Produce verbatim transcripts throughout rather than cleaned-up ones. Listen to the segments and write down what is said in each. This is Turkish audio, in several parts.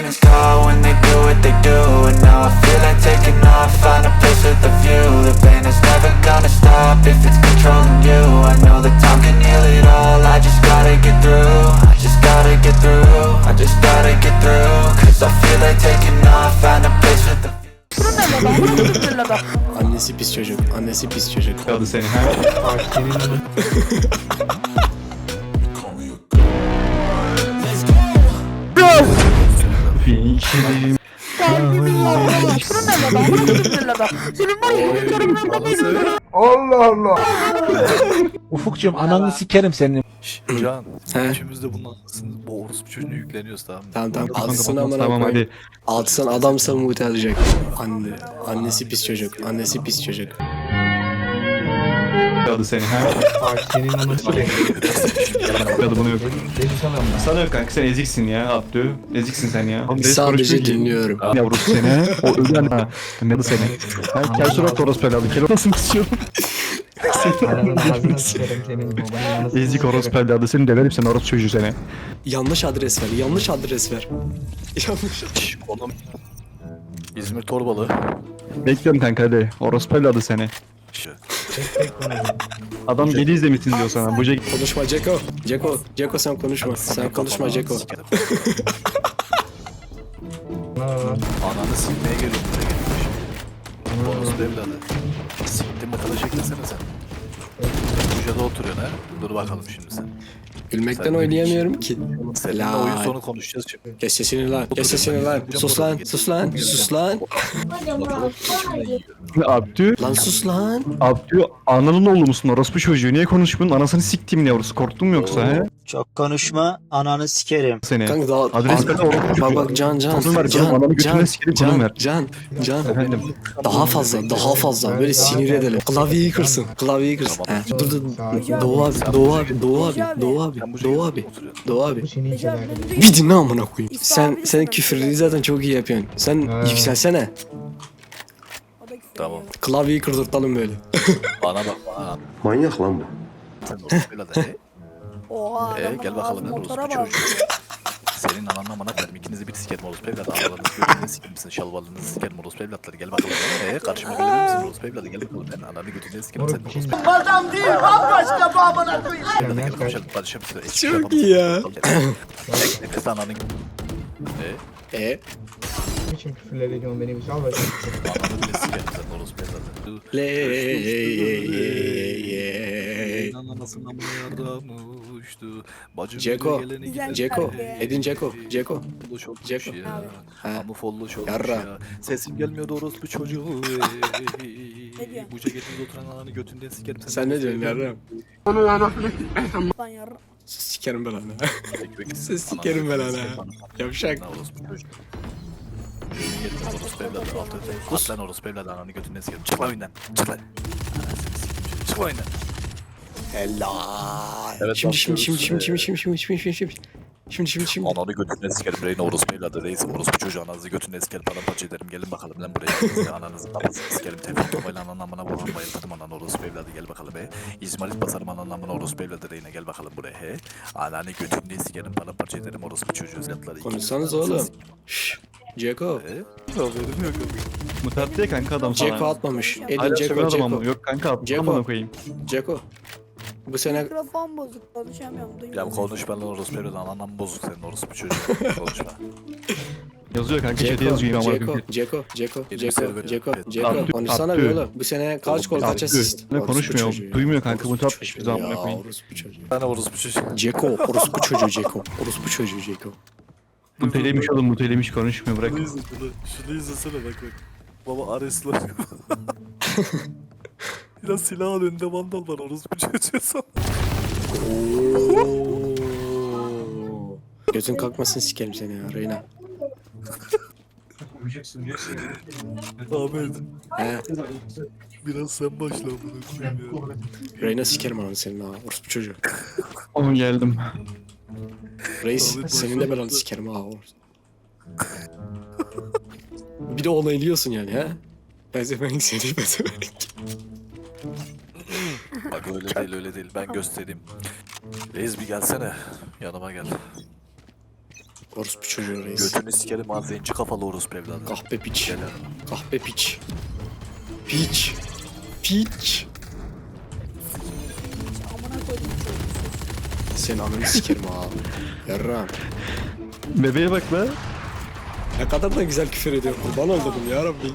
demons call when they do what they do. And now I feel like taking off, find a place with a view. The pain is never gonna stop if it's controlling you. I know that time can heal it all, I just gotta get through. I just gotta get through, I just gotta get through. Cause I feel like taking off, find a place with a view. Annesi pis çocuk, annesi pis çocuk. Kaldı seni ha. Fikrim. Ufukcuğum ananı sikerim senin. Can, He. üçümüz de bunun anlasını, bu orospu çocuğunu yükleniyoruz tamam mı? Tamam tamam, Kanka, alsın tamam, amına tamam, koyayım. hadi. Alsın adamsa muhte edecek. Anne, annesi pis çocuk, annesi pis çocuk. Kaldı seni ha. Senin ananı sikerim. Kaldı bunu yok. Sana yok kanka, sen eziksin ya Abdü. Eziksin sen ya. Sadece dinliyorum. Yavrum seni. O ölen ha. Ne seni. Ben kel surat orospu evladı. Kel orasını kısıyorum. Ananın ağzını sikerim senin. Babanın anasını Ezik orospu evladı. Seni döverim, sen orospu çocuğu seni. Yanlış adres ver, yanlış adres ver. Yanlış adres. Şşş, oğlum. İzmir Torbalı. Bekliyorum kanka hadi. Orospu evladı seni. Şşş. Adam geri izlemişsin diyor sana. Bu ce- Konuşma Ceko. Ceko, Ceko sen konuşma. Sen konuşma Ceko. Ananı silmeye geliyorum buraya gelmiş. Orospu evladı. Siktim bakalım şeklesene sen. Buca'da oturuyorsun ha. Dur bakalım şimdi sen. Gülmekten oynayamıyorum ki. Seninle La. oyun sonu konuşacağız şimdi. Kes sesini lan, kes sesini lan. Sus lan, sus lan, sus lan. Abdü. Lan sus lan. Abdü ananın oğlu musun orospu çocuğu? Niye konuşmuyorsun? Anasını siktiğimin yavrusu. Korktun mu yoksa he? Çok konuşma, ananı sikerim. Seni. Kanka daha... Adres ver de orospu çocuğu. Bak bak Can Can, Konum ver, Can, konum, adamı Can, götüne sikerim, konum Can, ver. Can, Can. Efendim. Daha fazla, daha fazla. Böyle sinir edelim. Klavyeyi kırsın, klavyeyi kırsın. Tamam. He, dur dur. Doğu abi, Doğu abi, Doğu abi, Doğu abi, Sen Buca'da Doğu abi, oturuyorsun. Doğu abi. Bu senin için verdim. Bir dinle amına koyayım. Sen, sen küfürleri zaten çok iyi yapıyorsun. Sen Ha. yükselsene. Tamam. Klavyeyi kırdırtalım böyle. Bana bak bana. Manyak lan bu. Sen orospu evladı. he? Oha. Ee, adamın gel bakalım ağzı lan orospu motora bak. çocuğu. Senin ananla amına koyarım. İkinizi bir sikerim orospu evladı. Analarınızı götünüzü sikerim misin? Şalvarlarınızı sikerim orospu evlatları. Gel bakalım. Ee, karşıma gelir misin orospu evladı? Gel bakalım. Ben ananı götünüzü sikerim sen Moruk orospu. şimdi. Gel konuşalım. Barışalım. Çok iyi ya. Nefes ananın. Ee, E, Niçin küfürler ediyorsun beni bir sal bakayım. ananı bile sikerim sen orospu evladı. le ye. Anasından mı yardımmıştı? Bacım Ceko, bile geleni gideni Ceko, gideni. Edin Ceko, Ceko. Follow çok Ceko. ya. Ha. Ama follow çok Yarra. ya. Sesim gelmiyor orospu çocuğu. diyorsun? Bu ceketinde oturan ananı götünden sikerim. Sen ne diyorsun yarram? Lan yarra. Sikerim ben ana. Ekmek Siz ananı sikerim ben götünden ana. sikerim ananı. Yavşak. Lan orospu çocuğu. Yemin ederim orospu evladı. Altı öte. At lan orospu evladı ananı götünden sikerim. Çık lan oyundan. Çık lan. Anasını sikeyim. Çık lan oyundan. Helal. Evet, Şimdi şimdi şimdi bakıyoruz. şimdi şimdi şimdi şimdi şimdi şimdi şimdi şimdi şimdi Ananı götünden sikerim. Reyna orospu evladı. Reis orospu çocuğu ananızı götünden sikerim. Paramparça ederim. Gelin bakalım lan buraya. Size ananızın kafasını sikerim. Tevfik tomayla ananın amına vururum. Bayıltırım ananı orospu evladı. Gel bakalım be. İzmarit basarım ananın amına orospu evladı. Reyna gel bakalım buraya he. Ananı götünden sikerim. Paramparça ederim orospu çocuğu. Ziyatları. konuşsanız oğlum. Şşş. Ceko. He? Haberim yok. Mutat diye kanka adam sana. Ceko atmamış. Edin Hala Ceko, söven adam Ceko. ama. Yok kanka atma Ceko. amına koyayım. Ceko. Bu sene Mikrofon bozuk konuşamıyorum. Ya Duymuyorum. konuş ben lan orospu evladı. Anandan bozuk senin orospu çocuğu. Konuşma. Yazıyor kanka chat'e Ceko, yazıyor amına Ceko, koyayım. Ceko, Ceko, Benim Ceko, serverim. Ceko, Evet. Ceko. Abdü, Konuşsana Abdü. bir oğlum. Bu sene kaç gol kaç Abdü. asist? Ne Orospu konuşmuyor, çocuğu ya. duymuyor kanka, bu Orospu tatlı çocuğu hiçbir zaman ya, koyayım. orospu çocuğu. Ben orospu çocuğu. Ceko, orospu çocuğu Ceko. Orospu çocuğu Ceko. Mutelemiş oğlum, mutelemiş konuşmuyor, bırak. Şunu izle şunu. Şunu izlesene bak bak. Baba Ares'la. Biraz silahın önünde vandal var orospu çocuğu sana. Oo. Gözün kalkmasın sikerim seni ya Reyna. Ahmet He, biraz sen başla bunu koyayım ya. Reyna sikerim ananı senin ha. Orospu çocuğu. Oğlum geldim. Reis senin de belanı sikerim ha. Bir de onaylıyorsun yani ha. Bezemenk seni bezemenk. Bak öyle değil öyle değil ben göstereyim. Reis bir gelsene yanıma gel. Orospu çocuğu reis. Götünü sikerim ha zenci kafalı orospu evladı. Kahpe piç. Gel Kahpe piç. Piç. Piç. Amına koydum çocuğu. Senin ananı sikerim ha. Yarram. Bebeğe bak be. Ne kadar da güzel küfür ediyor. Kurban oldum ya Rabbi.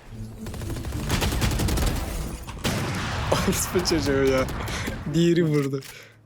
Orospu çocuğu ya. Diğeri vurdu.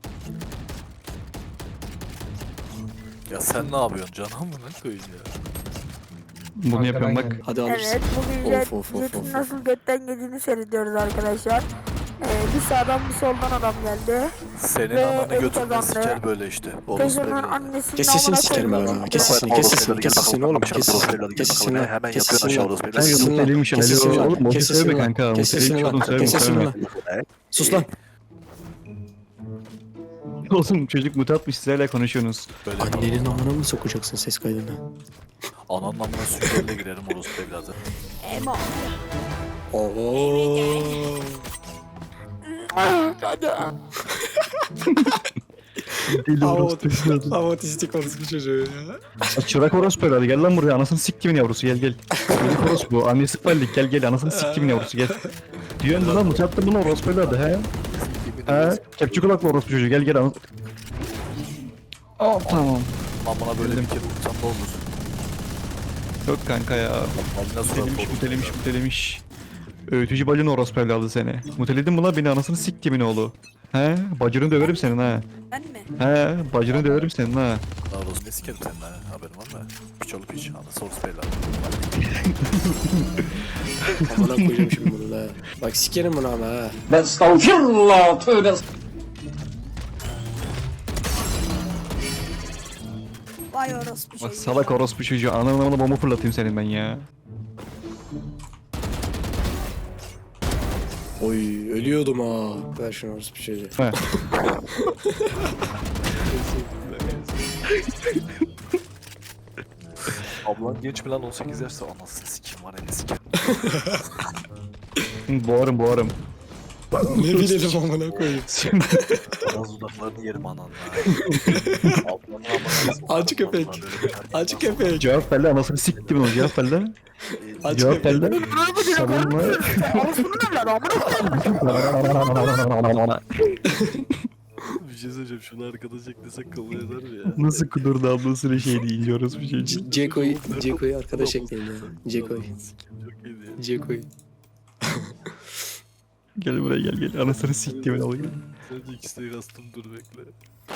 Ya sen ne yapıyorsun canım mı ne koyayım ya? Bunu Arkadan yapıyorum bak. geldi. Hadi alırsın. Evet bugün Of, Jet, of, of, Jet'in of, of. nasıl götten geldiğini seyrediyoruz arkadaşlar. Ee, bir sağdan bir soldan adam geldi. Senin Ve ananı el götünden kazandı. siker böyle işte. Orospu Teyzenin evladı. annesinin Kes sesini amına sikerim ben koydum. ha. Kes sesini, kes sesini, kes sesini oğlum. Kes sesini, kes sesini lan. Hemen Kes yapıyorsun sesini aşağı lan. orospu Kes evladı. sesini lan. Muteliymiş, Kes alo. sesini lan. Oğlum, Kes söyleme sesini lan. kanka, Kes sesini muteliymiş lan. oğlum, söyleme, Kes sesini söyleme. lan. Sus lan. Oğlum çocuk mute atmış, siz hala konuşuyorsunuz. Böyle Annenin amına mı sokacaksın ses kaydına? ananın amına süngerle girerim orospu evladı. Emo. Oo. Hava otistik orospu çocuğu ya. Çırak orospu herhalde, gel lan buraya, anasını siktimin yavrusu, gel gel. Çocuk orospu, annesi fallik, gel gel, anasını siktimin yavrusu, gel. Diyorsun lan, mute attın bunu orospu herhalde, he? He? Kepçe kulaklı orospu çocuğu, gel gel, anasını. Oh, tamam. Amına böyle bir kere vursam ne olur? Yok kanka ya. Amına surat Mutelemiş, olur. mutelemiş, mutelemiş. Öğütücü balin orospu evladı seni. Muteledin mi lan beni, anasını siktimin oğlu? He? Bacını döverim senin ha. Ben mi? He? Bacını döverim senin ha. Daha orospu ne sikerim senin ha haberin var mı? Piç olup piç anası orospu evladı. Amına koyacağım şimdi bunu da. Bak sikerim bunu ama ha. Vay orospu Bak çocuğu. salak orospu çocuğu, ananı amına bomba fırlatayım senin ben ya. Oy ölüyordum ha. Ver şunu orospu çocuğu. He. Ablan genç mi lan on sekiz yaşta anasını sikeyim var ya ne sikerim. Hı, boğarım boğarım. Ne bilelim amına koyayım. Biraz dudaklarını yerim ananla. Ablanın amına Acı köpek. Acı köpek. Cevap ver lan, anasını siktim onu, cevap ver lan. Acı Cevap ver köpek. lan. Savunma. Orospunun evladı amına koydum. Bir şey söyleyeceğim şunu arkadaş eklesek kabul eder mi ya? Nasıl kudurdu ablasının şey deyince orospu çocuğu. Ceko'yu, Ceko'yu arkadaş ekleyin ya. Ceko'yu. Çok iyiydi ya. Ceko'yu. Gel buraya gel gel, anasını siktim oğlu. Sadece ikisine kastım dur bekle.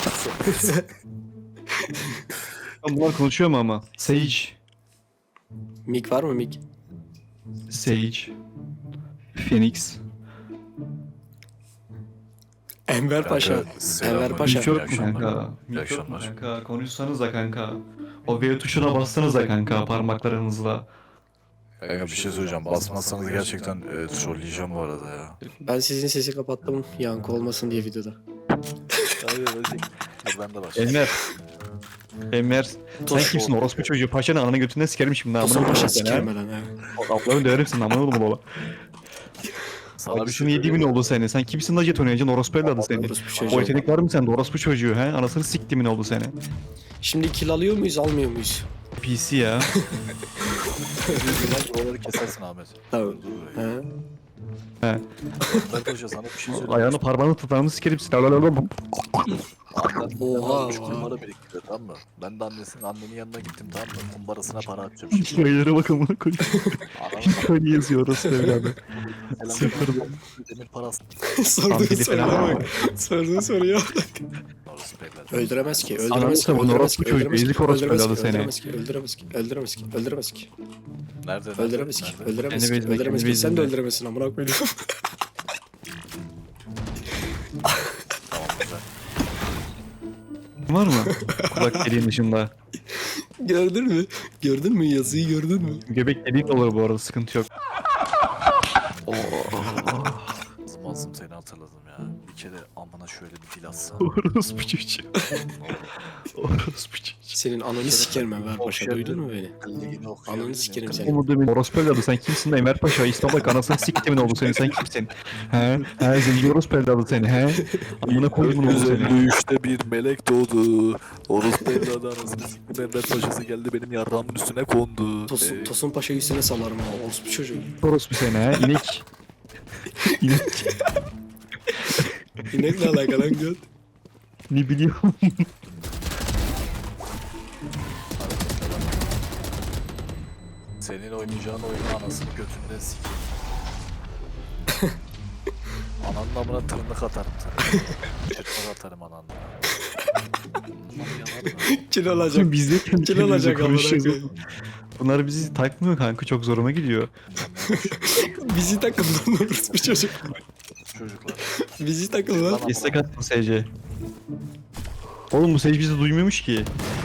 Bunlar konuşuyor mu ama? Sage. Mik var mı Mik? Sage. Phoenix. Enver Paşa. Enver Paşa. Hiç yok mu kanka? İyi Hiç yok mu akşamlar. kanka? Konuşsanız da kanka. O V tuşuna bassanız da kanka parmaklarınızla. Kanka bir şey söyleyeceğim. Basmazsanız gerçekten e, trolleyeceğim bu arada ya. Ben sizin sesi kapattım yankı olmasın diye videoda. Hayır hadi. Dur ben de başlayayım. Enver. Enver. Sen Toş. kimsin orospu çocuğu? Paşanın ananı götünden sikerim şimdi. Tosun Amına Paşa koyayım seni, sikerim ha. ben lan ha. Ablanı döverim senin amına oğlum baba. Sana bir Acısını şey yediği mi ne oldu seni? Sen kimsin la jet oynayacaksın? Orospu evladı seni. Orospu O çocuğu. yetenek var mı sende? Orospu çocuğu he? Anasını siktimin oldu seni. Şimdi kill alıyor muyuz almıyor muyuz? P C ya. söyleyeceğim. Buraları kesersin Ahmet. Tamam. Dur. Ha? He. Ben Hoca sana bir şey söyleyeyim. Ayağını parmağını tutarını sikerim seni. Annen Oha, üç oha. kumbara biriktiriyor tamam mı? Ben de annesinin annenin yanına gittim tamam mı? Kumbarasına para atacağım şimdi. Sayılara bak amına koyayım. Ananın Öyle yazıyor orospu evladı. Sıfır. demir parası. Sorduğu biri soruya falan bak. Sorduğu soruya bak. Orası evladı. Öldüremez ki, Ananı öldüremez ki, savun, öldüremez orospu ki, çocuğu, öldüremez ki, ezik orospu öldüremez evladı ki, seni. öldüremez ki, öldüremez ki, öldüremez ki, öldüremez ki, Nerede? nerede? öldüremez ki, Nerede? öldüremez Kendi ki, bezinde, öldüremez kendi ki, sen de bezinde. öldüremezsin amına koyayım. Tamam güzel. Var mı? Kulak deliğin dışında. Gördün mü? Gördün mü yazıyı gördün mü? Göbek deliğin de olur bu arada, sıkıntı yok. Zımasın. hatırladım seni hatırladım ya. Bir kere amına şöyle bir dil atsam. Orospu çocuğu. Orospu çocuğu. Senin ananı sikerim Enver Paşa, duydun mu beni? Ligini okuyabilir Ananı miyim? sikerim seni. Umut Emin orospu evladı sen kimsin Enver Paşa? İstanbul'da anasını siktimin oğlu seni sen kimsin? He? He zenci orospu evladı seni he? Amına koyduğumun oğlu seni. yüz elli üçte bir melek doğdu. Orospu evladı anasını siktim. Enver Paşa'sı geldi benim yarrağımın üstüne kondu. Tosun, Ee, Tosun Paşa'yı üstüne salarım ha. Orospu çocuğu. Orospu seni he? İnek. İnek. İnek ne alaka lan göt? Ne biliyorum. Senin oynayacağın oyunu anasını götünden sikeyim. Ananın amına tırnak atarım sana. Çırpmak atarım ananın. Aman yalan. Kil alacak. Biz de kendi Kil kendimize alacak amına konuşuyoruz. koyayım. Bunlar bizi takmıyor kanka çok zoruma gidiyor. Bizi takın lan orospu çocuk. Çocuklar. Bizi takın lan. İstek attım S C. Oğlum bu Sage bizi duymuyormuş ki.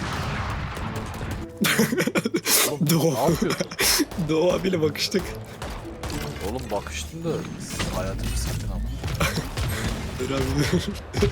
Oğlum Doğu. ne yapıyorsun? Doğu abiyle bakıştık. Oğlum bakıştın da hayatımı siktin ama. Dur abi dur.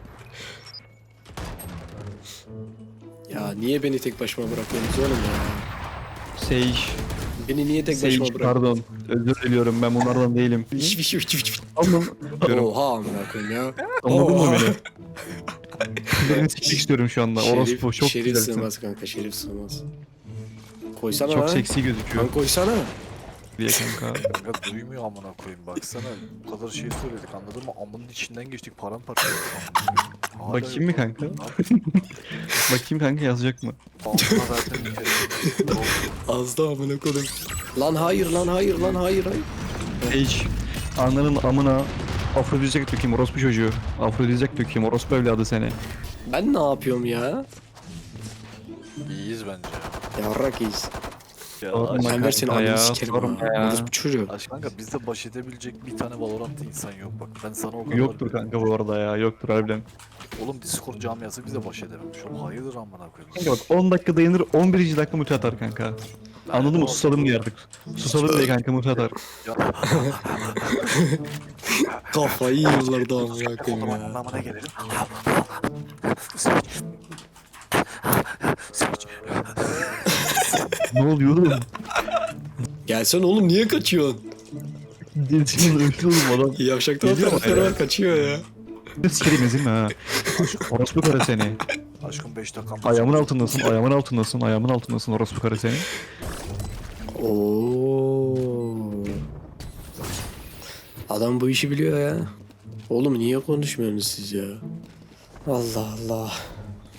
Ya niye beni tek başıma bırakıyorsunuz oğlum ya? Sage. Beni niye tek başıma Sage bırakıyorsunuz? pardon. Özür diliyorum ben bunlardan değilim. Hiç hiç hiç hiç. Anladın diyorum. Oha amına koyayım ya. Anladın mı Oha. beni? Birini sikmek istiyorum şu anda. Orospu çok şerif güzelsin. sığmaz kanka, şerif sığmaz. Koysana Çok lan. seksi gözüküyor Lan koysana. diye kanka. Kanka duymuyor amına koyayım baksana. Bu kadar şey söyledik anladın mı? Amının içinden geçtik paramparça olduk amına koyayım. Hala Bakayım mı yok. kanka? Bakayım kanka yazacak mı? Altına zaten bir kere. Yok. Az da amına koyayım. Lan hayır lan hayır lan hayır hayır. Sage. Ananın amına afrodizyak dökeyim orospu çocuğu. Afrodizyak dökeyim orospu evladı seni. Ben ne yapıyorum ya? İyiyiz bence. Yarrak iyiyiz. Ya Sorma aşk, Ben versin kanka ya, ananı sikerim sorma ha. ya. Orospu çocuğu. aşk kanka bizde baş edebilecek bir tane Valorant insan yok bak. Ben sana o kadar... Yoktur kanka bu arada ya yoktur harbiden. Oğlum Discord camiası bize baş edememiş. Oğlum hayırdır amına koyayım. Kanka bak on dakika dayanır on birinci dakika mutu atar kanka. Anladın mı? Susalım diye artık. Susalım diye kanka mutu atar. Ya Kafayı yiyorlar da amına o koyayım zaman ya. anlamına gelelim. Ne oluyor oğlum? Gelsen oğlum, niye kaçıyorsun? Dilsinin öldü oğlum adam. Yavşaktan Geliyor mu taraftarı ya? var, kaçıyor ya. Ne sikerim ezilme ha. Orospu karı seni. Aşkım beş dakika. Ayağımın altındasın, ayağımın altındasın, ayağımın altındasın orospu karı seni. Oo. Adam bu işi biliyor ya. Oğlum niye konuşmuyorsunuz siz ya? Allah Allah.